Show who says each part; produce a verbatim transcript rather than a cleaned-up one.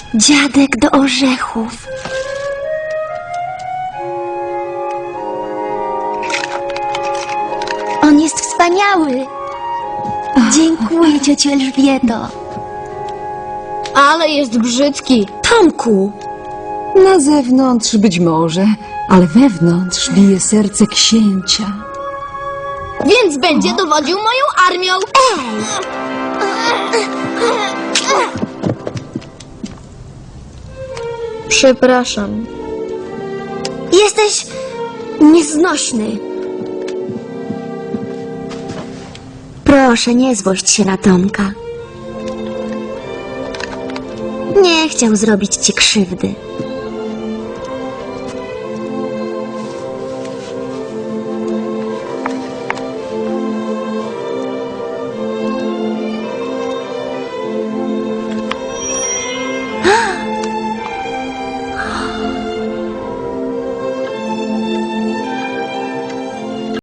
Speaker 1: Dziadek do orzechów. On jest wspaniały. Dziękuję, ciociu Elżbieto.
Speaker 2: Ale jest brzydki.
Speaker 1: Tomku,
Speaker 3: Na zewnątrz być może, ale wewnątrz bije serce księcia.
Speaker 2: Więc będzie dowodził moją armią. Przepraszam.
Speaker 1: jesteś nieznośny. Proszę, nie złość się na Tomka. Nie chciał zrobić ci krzywdy.